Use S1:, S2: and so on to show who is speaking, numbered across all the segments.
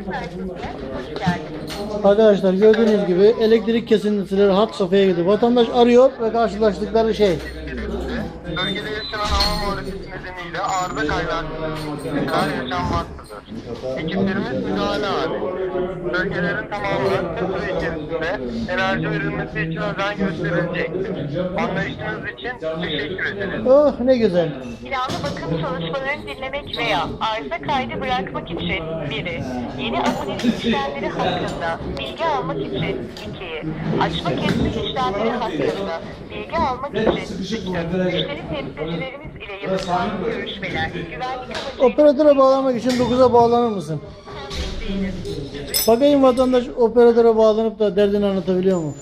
S1: Arkadaşlar gördüğünüz gibi elektrik kesintileri hat safhaya gidiyor. Vatandaş arıyor ve karşılaştıkları şey.
S2: Bölgede yaşanan hava muhalefeti nedeniyle arıza kaynaklı yaşanmaktadır. Ekiplerimiz müdahale hali. Bölgelerin tamamına kısa süre içerisinde enerji verilmesi için özen gösterilecektir. Anlayışınız için teşekkür ederiz.
S1: Oh ne güzel.
S3: Planlı bakım çalışmalarını dinlemek veya arıza kaydı bırakmak için biri, yeni abonelik işlemleri hakkında bilgi almak için 2'yi, açma kesme işlemleri hakkında bilgi almak için 3'ü, müşteri temsilcilerimiz ile yapılan görüşmeler, güvenlik amacıyla
S1: Operatöre bağlamak için 9'a bağlanır mısın? Bakayım vatandaş operatöre bağlanıp da derdini anlatabiliyor mu?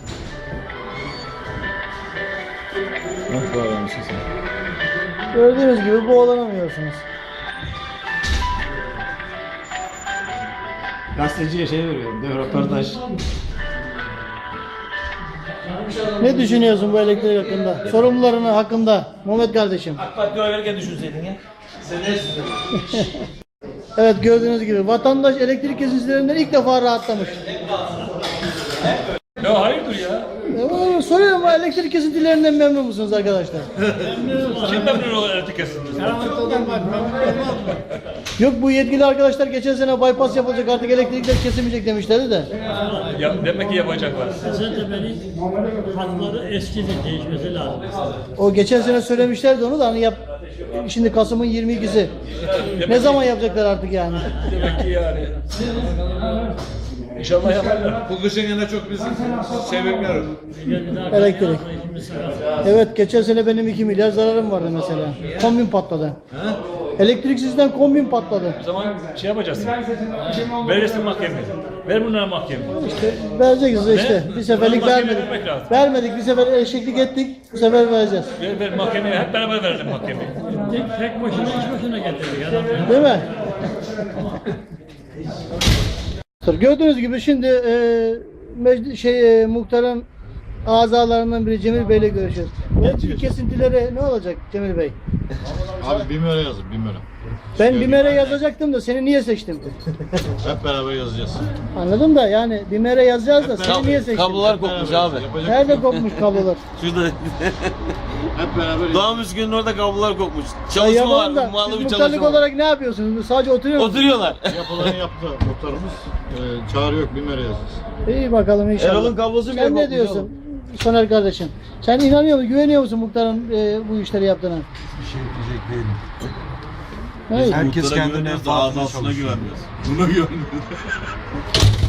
S4: Nasıl bağlamışsın sen?
S1: Gördüğünüz gibi bağlanamıyorsunuz.
S4: Gazeteciye şey veriyorum, değil mi? Röportaj.
S1: Ne düşünüyorsun bu elektrik hakkında? Sorumlularının hakkında Mehmet kardeşim.
S5: AK Parti oy verirken düşünseydin ya.
S1: Evet gördüğünüz gibi vatandaş elektrik kesintilerinden ilk defa rahatlamış.
S5: Ya hayırdır ya?
S1: Soruyorum elektrik kesintilerinden memnun musunuz arkadaşlar?
S5: Kim memnun olur elektrik kesintinden?
S1: Yok bu yetkili arkadaşlar geçen sene bypass yapılacak artık elektrikler kesilmeyecek demişlerdi de.
S5: Ya, demek ki yapacaklar.
S6: Esentepe'nin hatları eskidi, değişmesi lazım.
S1: O geçen sene söylemişlerdi onu da hani şimdi Kasım'ın 22'si. Ne zaman yapacaklar artık yani?
S5: Demek ki yani. İnşallah yaparlar.
S4: Bu kışın yine çok biz şey bekliyoruz.
S1: Elektrik. Evet geçen sene benim 2 milyar zararım vardı mesela. Kombin patladı. Elektriksizden kombin patladı.
S5: O zaman şey yapacaksın. Verirsin mahkemeye. Ver bunlara mahkemeye.
S1: İşte vereceğiz işte. Bir seferlik
S5: Mahkemeye
S1: vermedik.
S5: vermek lazım.
S1: Vermedik bir sefer eşeklik ettik. Bu sefer vereceğiz.
S5: Ver mahkemeye. Hep beraber verelim mahkemeye.
S6: Tek başına iş başına getirdik adam.
S1: Değil mi? Gördüğünüz gibi şimdi muhterem azalarından biri Cemil Bey ile görüşüyoruz. Elektrik kesintileri ne olacak Cemil Bey?
S7: Abi BİMER'e yazın BİMER'e.
S1: Ben BİMER'e yazacaktım da seni niye seçtim?
S7: Hep beraber yazacağız.
S1: Anladım da yani BİMER'e yazacağız da seni niye seçtim?
S4: Kablolar kopmuş abi.
S7: Yapacak
S1: Nerede kopmuş kablolar?
S4: Şurada
S7: hep beraber
S4: Doğan Müskün'ün orada kablolar kopmuş.
S1: Ya
S4: Çalışma var,
S1: yapalım da
S4: ummalı
S1: siz
S4: bir
S1: muhtarlık
S4: çalışma var.
S1: olarak ne yapıyorsunuz? Sadece oturuyor musunuz?
S4: Oturuyorlar.
S7: yapılanı yaptı muhtarımız. Çağrı yok BİMER'e yazacağız.
S1: İyi bakalım inşallah.
S4: Erol'un kablosu bile
S1: Sen
S4: kopmuş
S1: ne diyorsun?
S4: oğlum.
S1: Soner kardeşim. Sen inanıyor musun, güveniyor musun muhtarın bu işleri yaptığına?
S8: Bir şey diyecek değilim.
S1: Hayır.
S8: Herkes
S4: Muhtara
S8: kendine
S4: güveniyoruz da
S8: farklı
S4: ağzına
S8: çalışıyor.
S4: güvenmiyoruz. Buna güvenmiyoruz.